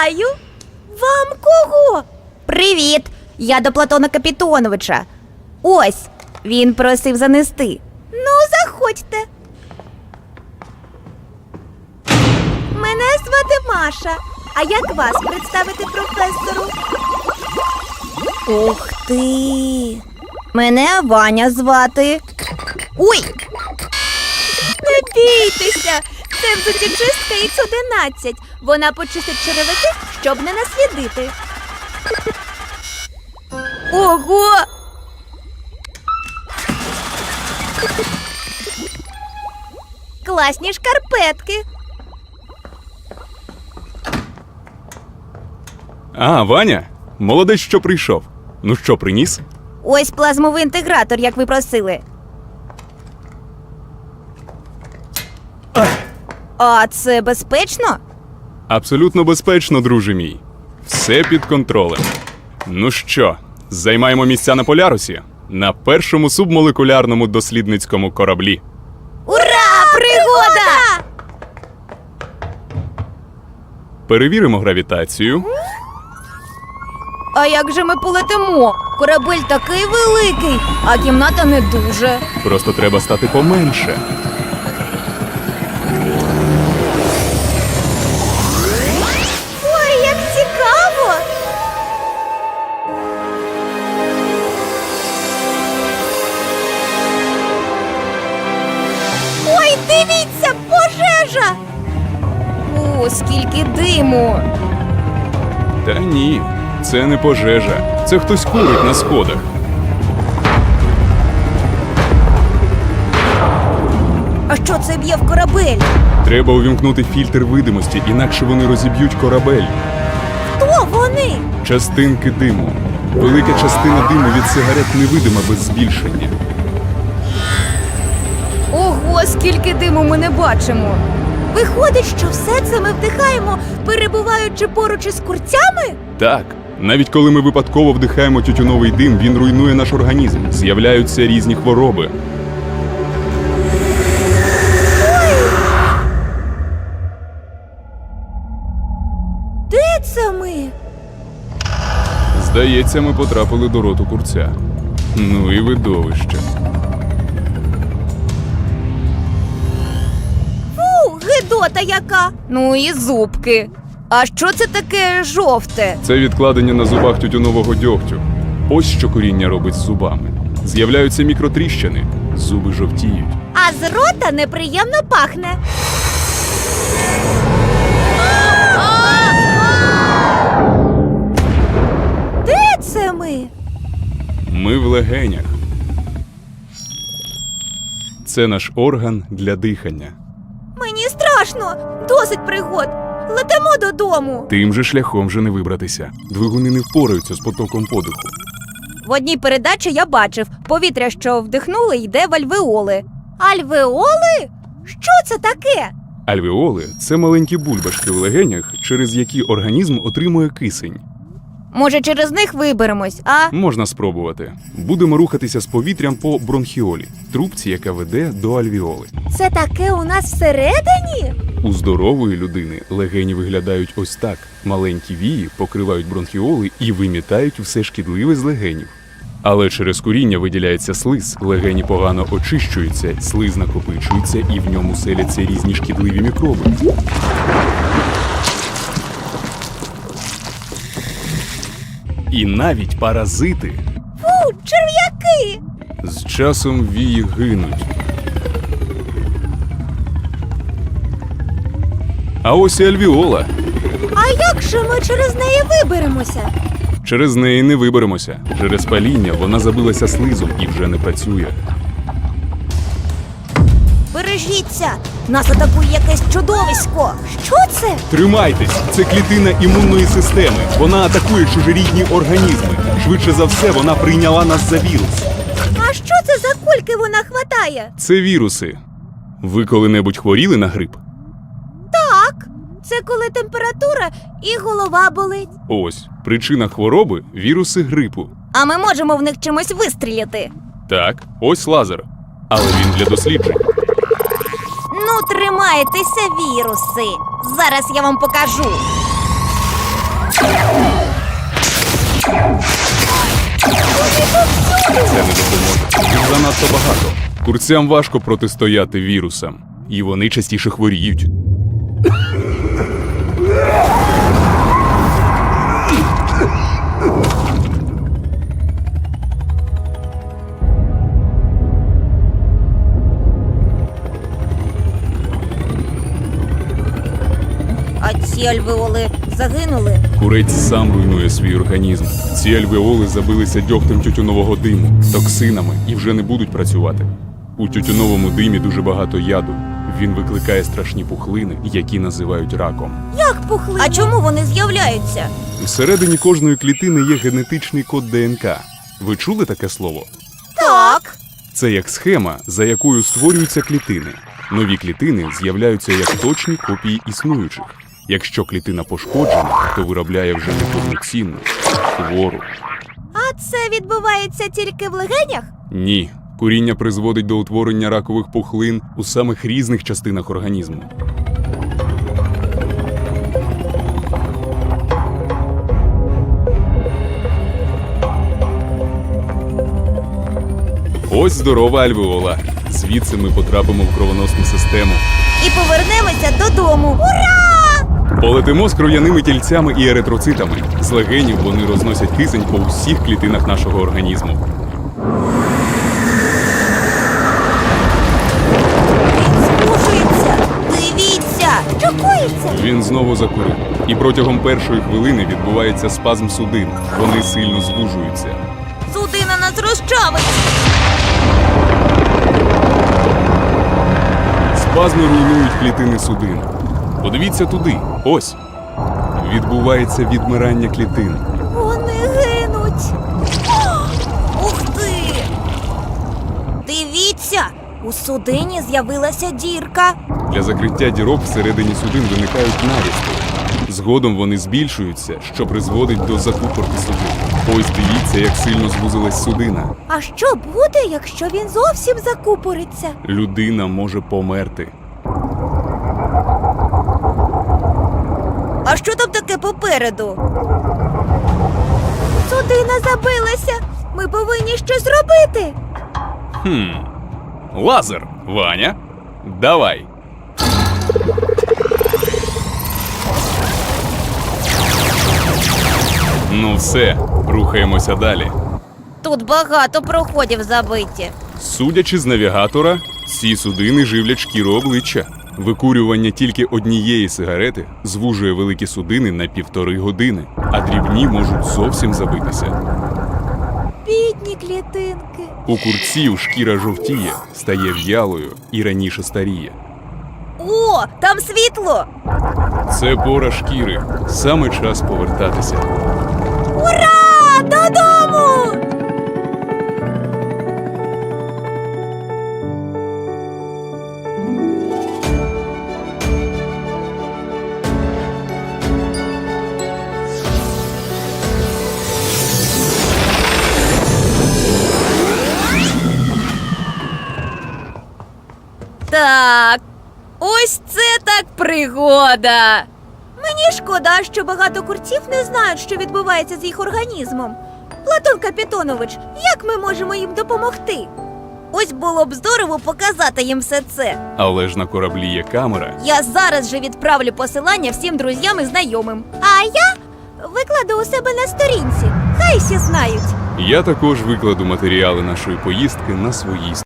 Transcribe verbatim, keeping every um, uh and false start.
Вітаю! Вам кого? Привіт! Я до Платона Капітоновича. Ось, він просив занести. Ну, заходьте. Мене звати Маша. А як вас представити професору? Ух ти! Мене Ваня звати. Ой! Не бійтеся! Це взуттєчистка ікс одинадцять. Вона почистить черевики, щоб не наслідити. Ого! Класні шкарпетки. А, Ваня? Молодець, що прийшов. Ну що, приніс? Ось плазмовий інтегратор, як ви просили. А це безпечно? Абсолютно безпечно, друже мій. Все під контролем. Ну що, займаємо місця на Полярусі? На першому субмолекулярному дослідницькому кораблі. Ура! Пригода! Перевіримо гравітацію. А як же ми полетимо? Корабель такий великий, а кімната не дуже. Просто треба стати поменше. Ой, як цікаво! Ой, дивіться, пожежа! О, скільки диму! Та ні, це не пожежа. Це хтось курить на сходах. А що це б'є в корабель? Треба увімкнути фільтр видимості, інакше вони розіб'ють корабель. Хто вони? Частинки диму. Велика частина диму від сигарет невидима без збільшення. Ого, скільки диму ми не бачимо! Виходить, що все це ми вдихаємо, перебуваючи поруч із курцями? Так, навіть коли ми випадково вдихаємо тютюновий дим, він руйнує наш організм. З'являються різні хвороби. Де це ми? Здається, ми потрапили до роту курця. Ну і видовище. Фу, гидота яка! Ну і зубки. А що це таке жовте? Це відкладення на зубах тютюнового дьогтю. Ось що коріння робить з зубами. З'являються мікротріщини, зуби жовтіють. А з рота неприємно пахне. Де це ми? Ми в легенях. Це наш орган для дихання. Мені страшно. Досить пригод. Летимо додому. Тим же шляхом же не вибратися. Двигуни не впораються з потоком подиху. В одній передачі я бачив, повітря, що вдихнули, йде в альвеоли. Альвеоли? Що це таке? Альвеоли – це маленькі бульбашки в легенях, через які організм отримує кисень. Може, через них виберемось, а? Можна спробувати. Будемо рухатися з повітрям по бронхіолі, трубці, яка веде до альвеоли. Це таке у нас всередині? У здорової людини легені виглядають ось так. Маленькі вії покривають бронхіоли і вимітають все шкідливе з легенів. Але через куріння виділяється слиз, легені погано очищуються, слиз накопичується і в ньому селяться різні шкідливі мікроби. І навіть паразити. Фу, черв'яки! З часом вії гинуть. А ось і альвеола. А як же ми через неї виберемося? Через неї не виберемося. Через паління вона забилася слизом і вже не працює. Бережіться! Нас атакує якесь чудовисько! Що це? Тримайтесь! Це клітина імунної системи. Вона атакує чужорідні організми. Швидше за все, вона прийняла нас за вірус. А що це за кульки вона хватає? Це віруси. Ви коли-небудь хворіли на грип? Так, це коли температура і голова болить. Ось, причина хвороби – віруси грипу. А ми можемо в них чимось вистріляти. Так, ось лазер. Але він для досліджень. Ну, тримайтеся, віруси. Зараз я вам покажу. Це не допоможе. Їх занадто багато. Курцям важко протистояти вірусам. І вони частіше хворіють. А ці альвеоли загинули. Курець сам руйнує свій організм. Ці альвеоли забилися дьогтем тютюнового диму, токсинами і вже не будуть працювати. У тютюновому димі дуже багато яду. Він викликає страшні пухлини, які називають раком. Як пухли? А чому вони з'являються? Всередині кожної клітини є генетичний код ДНК. Ви чули таке слово? Так. Це як схема, за якою створюються клітини. Нові клітини з'являються як точні копії існуючих. Якщо клітина пошкоджена, то виробляє вже неповноцінну, хвору. А це відбувається тільки в легенях? Ні. Куріння призводить до утворення ракових пухлин у самих різних частинах організму. Ось здорова альвеола. Звідси ми потрапимо в кровоносну систему. І повернемося додому. Ура! Полетимо з кров'яними тільцями і еритроцитами. З легенів вони розносять кисень по усіх клітинах нашого організму. Слухається. Дивіться! Що коїться? Він знову закурив. І протягом першої хвилини відбувається спазм судин. Вони сильно звужуються. Судина нас розчавить! Спазми руйнують клітини судин. Подивіться туди. Ось. Відбувається відмирання клітин. Вони гинуть. Ух ти! Дивіться! У судині з'явилася дірка. Для закриття дірок всередині судин виникають нарісти. Згодом вони збільшуються, що призводить до закупорки судин. Ось дивіться, як сильно звузилась судина. А що буде, якщо він зовсім закупориться? Людина може померти. А що там таке попереду? Судина забилася. Ми повинні щось робити. Хм. Лазер, Ваня. Давай. Ну все, рухаємося далі. Тут багато проходів забиті. Судячи з навігатора, ці судини живлять шкіру обличчя. Викурювання тільки однієї сигарети звужує великі судини на півтори години, а дрібні можуть зовсім забитися. Бідні клітинки. У курців шкіра жовтіє, стає в'ялою і раніше старіє. О, там світло! Це пора шкіри. Саме час повертатися. Ура! Додому! Так, ось це так пригода! Мені шкода, що багато курців не знають, що відбувається з їх організмом. Платон Капітонович, як ми можемо їм допомогти? Ось було б здорово показати їм все це. Але ж на кораблі є камера. Я зараз же відправлю посилання всім друзям і знайомим. А я викладу у себе на сторінці. Хай всі знають. Я також викладу матеріали нашої поїздки на своїй